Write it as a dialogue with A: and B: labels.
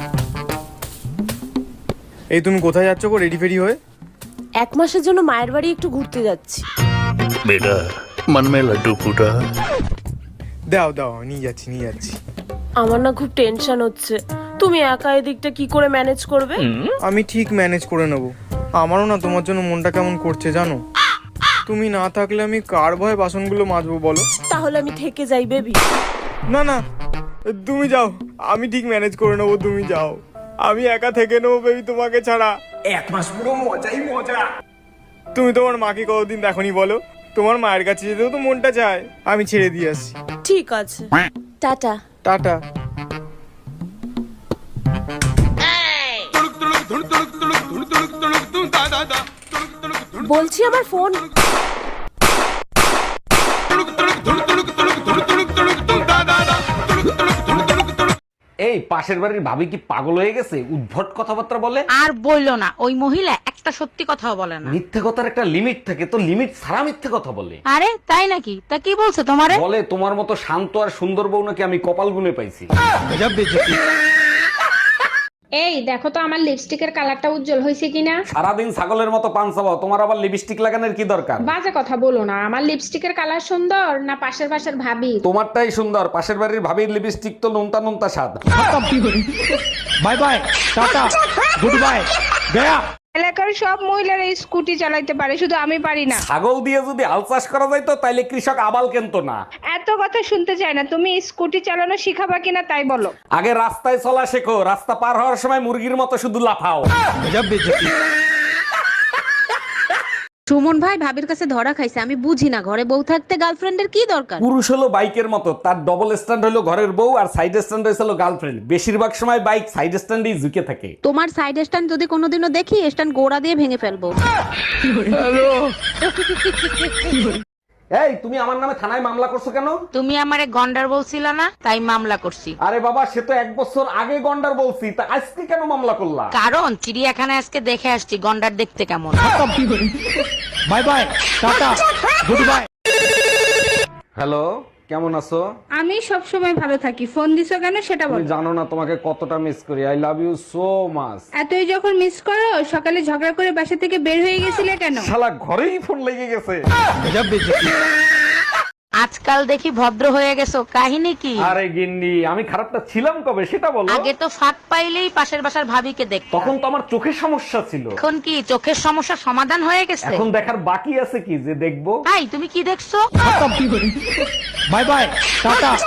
A: এই তুমি কোথায় যাচ্ছ গো রেডি ফেডি হয়ে?
B: 1 মাসের জন্য মায়ের বাড়ি একটু ঘুরতে যাচ্ছি।
C: बेटा मन में लड्डू फूटा।
A: দাও দাও, নিয়ে যাচ্ছি।
B: আমার না খুব টেনশন হচ্ছে, তুমি একা এদিকটা কি করে ম্যানেজ করবে?
A: আমি ঠিক ম্যানেজ করে নেব। আমারও না তোমার জন্য মনটা কেমন করছে জানো। তুমি না থাকলে আমি কার ভয়ে বাসনগুলো মাজবো বলো?
B: তাহলে আমি থেকে যাই বেবি।
A: না না, তুমি যাও, আমি ঠিক ম্যানেজ করে নেবো, তুমি যাও। আমি একা থেকে নেবো বেবি তোমাকে ছাড়া। 1 মাস পুরো মজাই মজা। তুমি তোমার মাকে কতদিন দেখনি বলো? তোমার মায়ের কাছে যেতেও তো মনটা চায়। আমি ছেড়ে দিয়ে আসছি।
B: ঠিক আছে, টাটা।
A: টাটা।
B: বলছি আমার ফোন।
D: এই পাশের বাড়ির ভাবি কি পাগল হয়ে গেছে? উদ্ভট কথাবার্তা বলে।
E: আর বললো না, ওই মহিলা একটা সত্যি কথাও বলে না।
D: মিথ্যে কথার একটা লিমিট থাকে, তো লিমিট ছাড়া মিথ্যে কথা বলে।
E: আরে তাই নাকি? তা কি বলছে তোমারে?
D: বলে তোমার মতো শান্ত আর সুন্দর বউ নাকি আমি কপাল গুনে পাইছি।
F: এই দেখো তো আমার লিপস্টিকের কালারটা উজ্জ্বল হয়েছে কিনা।
D: সারাদিন ছাগলের মতো পান চাবাও, তোমার আবার লিপস্টিক লাগানোর কি দরকার?
F: বাজে কথা বলো না, আমার লিপস্টিকের কালার সুন্দর না পাশের ভাবি?
D: তোমারটাই সুন্দর, পাশের বাড়ির ভাবির লিপস্টিক তো নুনতা নুনতা স্বাদ।
G: Bye bye, tata, good bye, গয়া।
H: এলাকার সব মহিলারা স্কুটি চালাইতে পারে, শুধু আমি পারি না।
D: ছাগল দিয়ে যদি হাল চাষ করা যাইতো তাইলে কৃষক আবাল কেনতো না।
H: এত কথা শুনতে চাই না, তুমি স্কুটি চালানো শিখাবা কিনা তাই বলো।
D: আগে রাস্তায় চলা শেখো, রাস্তা পার হওয়ার সময় মুরগির মতো শুধু লাফাও।
E: সুমন ভাই ভাবির কাছে ধরা খাইছে, আমি বুঝি না ঘরে বউ থাকতে গার্লফ্রেন্ডের কি দরকার।
D: পুরুষ হলো বাইকের মতো, তার ডবল স্ট্যান্ড হলো ঘরের বউ আর সাইড স্ট্যান্ড হলো গার্লফ্রেন্ড। বেশিরভাগ সময় বাইক সাইড স্ট্যান্ডেই ঝুঁকে থাকে।
E: তোমার সাইড স্ট্যান্ড যদি কোনোদিনও দেখি, স্ট্যান্ড গোড়া দিয়ে ভেঙে ফেলবো।
D: এই তুমি আমার নামে থানায় মামলা করছো কেন?
E: তুমি আমারে গন্ডার বলছিলা না, তাই মামলা করছি।
D: আরে বাবা, সে তো 1 বছর আগে গন্ডার বলছি, তা আজকে কেন মামলা করলা?
E: কারণ চিড়িয়াখানায় আজকে দেখে আসছি গন্ডার দেখতে কেমন।
G: Bye bye, tata, good bye.
D: Hello, কেমন আছো?
H: আমি সব সময় ভালো থাকি, ফোন দিছো কেন সেটা
D: তুমি
H: বলো।
D: জানো না তোমাকে কতটা মিস করি। I love you so much.
H: এতই যখন মিস করো, সকালে ঝগড়া করে বাসা থেকে বের হয়ে গেছিলে কেন?
D: শালা ঘরেই ফোন লেগে গেছে।
E: আজকাল দেখি ভদ্র হয়ে গেছো, কাহিনী কি?
D: আরে গিন্নি, আমি খারাপটা ছিলাম কবে সেটা বলো।
E: আগে তো ফাঁক পাইলেই পাশের বাসার ভাবিকে দেখতাম,
D: তখন তো আমার চোখের সমস্যা ছিল।
E: এখন কি চোখের সমস্যা সমাধান হয়ে গেছে?
D: এখন দেখার বাকি আছে কি যে দেখবো।
E: ভাই তুমি কি দেখছো?
G: Bye bye, tata.